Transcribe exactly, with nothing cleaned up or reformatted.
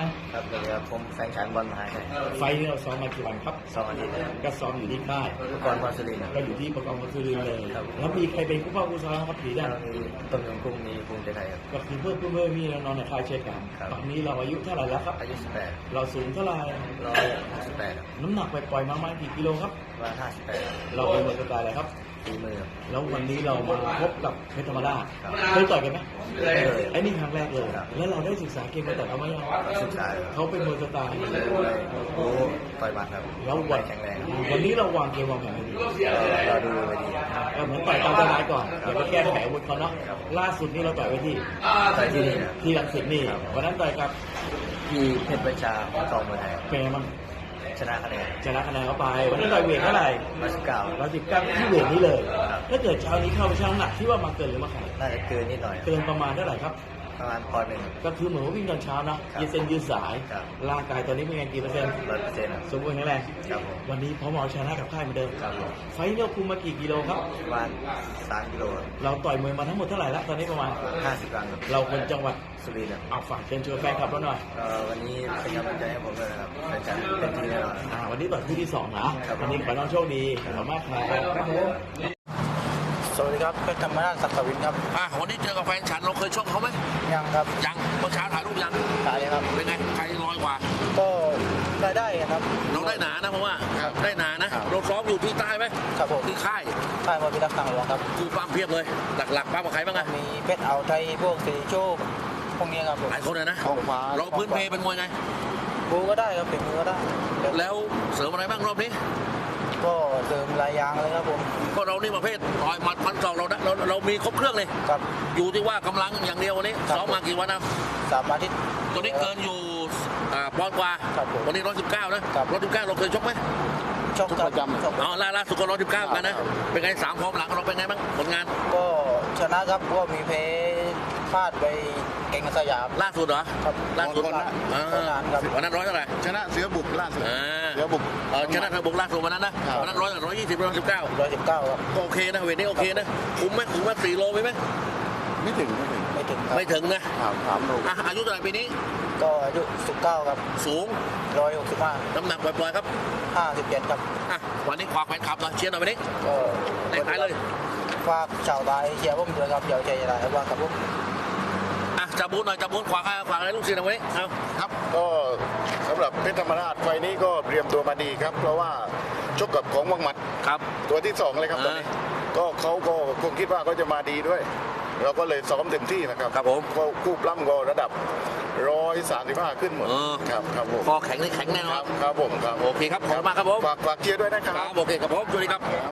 ครับเดี๋ยวผมแฟนฉันบอลมาให้ไฟล์นี้เราซ้อมมากี่วันครับสองอาทิตย์แล้วก็ซ้อมอยู่ที่ค่ายเมื่อก่อนมาสุรินทร์ก็อยู่ที่ประกอบมัสุรินทร์เลยครับแล้วมีใครเป็นผู้เข้าผู้ซ้อมครับผีแล้ได้วมีต้นยงกุ้งมีภูมิใจไทยครับก็คือเพื่อนเพื่อนเพื่อนพี่น้องๆในค่ายเช่นกันครับตอนนี้เราอายุเท่าไหร่แล้วครับอายุสิบแปดเราสูงเท่าไหร่ร้อยสิบแปดน้ำหนักไปปล่อยๆมาประมาณกี่กิโลครับร้อยห้าสิบแปดเราเป็นมวยสไตล์อะไรครับตีมือครับแล้ววันนี้เรามาพบกับเพชรธรรมราชครับเคยต่อยกันไหมไม่เคยไอ้นี่ครั้งแรกเลยครับแล้วเราได้ศึกษาเกมมาแต่เขาไหมยังศึกษาครับเขาเป็นมวยสไตล์เลยรู้ต่อยหมัดครับแล้ววัวัน นแข็งแรงวันนี้เราวางเกมวางแผนให้ดีเราดูไปดีครับเออเหมือนต่อยตามสบายก่อนเดี๋ยวไปแก้ไขอาวุธเขาเนาะครับล่าสุดนี่เราต่อยไว้ที่ต่อยที่นี่นะที่รังสิตนี่ครับวันนั้นต่อยกับพี่เพชรประชาตองมวยไทยครับเปรมันชนะคะแนนชนะคะแนนเขาไป วันนั้นต่อยเวทเท่าไหร่ร้อยสิบเก้าร้อยสิบเก้าที่เวทนี้เลยครับถ้าเกิดเช้านี้เข้าไปช่างน้ำหนักที่ว่ามาเกินหรือมาขาดน่าจะเกินนิดหน่อยเกินประมาณเท่าไหร่ครับประมาณปอนด์หนึ่งก็คือเหมือนว่าวิ่งตอนเช้านะครับ ยืดเส้นยืดสายครับร่างกายตอนนี้เป็นไงกี่เปอร์เซ็นต์ร้อยเปอร์เซ็นต์สมบูรณ์แข็งแรงครับผมวันนี้พร้อมเอาชนะกับค่ายเหมือนเดิมครับผมไฟท์เราคุมมากี่กิโลครับประมาณสามกิโลเราต่อยมวยมาทั้งหมดเท่าไหร่แล้วตอนนี้ประมาณห้าสิบกรัมครับเราคนจังหวัดสุรินทร์ครับเอาฝากเชิญชวนแฟนคลับเราหน่อยเอ่อวันนี้เป็นกำลังใจให้ผมด้วยนะครับเป็นการเต็มที่แน่นอนอ่าวันนี้ต่อยคู่ที่สองนะครับ วันนี้ขอให้น้องโชคดีขอบคุณมากครับครับผมสวัสดีครับเพชรธรรมราชศักดิ์วินครับอ่ะวันนี้เจอกับแฟนฉันเราเคยชกเขาไหมยังครับยังเมื่อเช้าถ่ายรูปยังตายเลยครับเป็นไงใครลอยกว่าก็ได้ได้ครับเราได้หนานะเพราะว่าครับได้หนานะครับ เราซ้อมอยู่ที่ใต้ไหมครับผมที่ค่ายค่ายมวยพิทักษ์ทางหลวงครับคือปั้มเพียบเลย หลักๆปั้มกับใครบ้างอะมีเพชรเอาไทยพวกสีโชคพวกนี้ครับผมหลายคนเลยนะของฟ้าเราพื้นเพเป็นมวยไงบูก็ได้ครับเป็นมือก็ได้แล้วเสริมอะไรบ้างรอบนี้ก็เสริมลายยางเลยครับผมก็เรานี่ประเภทต่อยหมัดพันสองเราได้เราเรามีครบเครื่องเลยครับอยู่ที่ว่ากำลังอย่างเดียววันนี้ครับซ้อมมากี่วันนะสามอาทิตย์ตัวนี้เกินอยู่อ่าปอนด์กว่าครับผมวันนี้ร้อยสิบเก้านะครับ ร้อยสิบเก้าเราเคยชกไหมชกประจำชกอ๋อล่าล่าสุดก็ร้อยสิบเก้ากันนะเป็นไงสามพร้อมหลังเราเป็นไงบ้างผลงานก็ชนะครับก็มีเพพลาดไปเก่งสยามล่าสุดเหรอครับล่าสุดคนละอ่าคนละครับวันนั้นร้อยเท่าไหร่ชนะเสือบุกล่าสุดอ่าเสือบุกเออชนะเธอบุกล่าสุดวันนั้นนะครับ วันนั้นร้อยร้อยยี่สิบร้อยสิบเก้าร้อยสิบเก้าครับก็โอเคนะเวทนี้โอเคนะคุ้มไหมคุ้มไหมสี่โลไหมไหมไม่ถึงไม่ถึงไม่ถึงครับไม่ถึงนะถามถามดูอ่ะอายุเท่าไหร่ปีนี้ก็อายุสิบเก้าครับสูงร้อยหกสิบห้าน้ำหนักปล่อยๆครับห้าสิบเจ็ดครับอ่ะวันนี้ขวากแฟนคลับหน่อยเชียร์หน่อยวันนี้ก็ในขายเลยฝากชาวไทยเชียร์ผมด้วยครับเดี๋ยวใจจะได้ว่าครับผมอ่ะจับบูนหน่อยจับบูนขวาขวาอะไรลูกศิษย์หน่อยวันนี้เอาครับก็สำหรับเพชรธรรมราชไฟล์นี้ก็เตรียมตัวมาดีครับ เพราะว่าชกกับของวังหมัดครับตัวที่สองเลยครับตอนนี้อ่ก็เขาก็คงคิดว่าเขาจะมาดีด้วย เราก็เลยซ้อมเต็มที่นะครับครับผมก็คู่ปล้ำก็ระดับร้อยสามสิบห้าขึ้นหมดเออครับครับผมคอแข็งนี่แข็งแน่นคอรันบครับผมครับโอเคครับขอบคุณมากครับผมฝากฝากเชียร์ด้วยนะครับครับโอเคครับผมสวัสดีครับ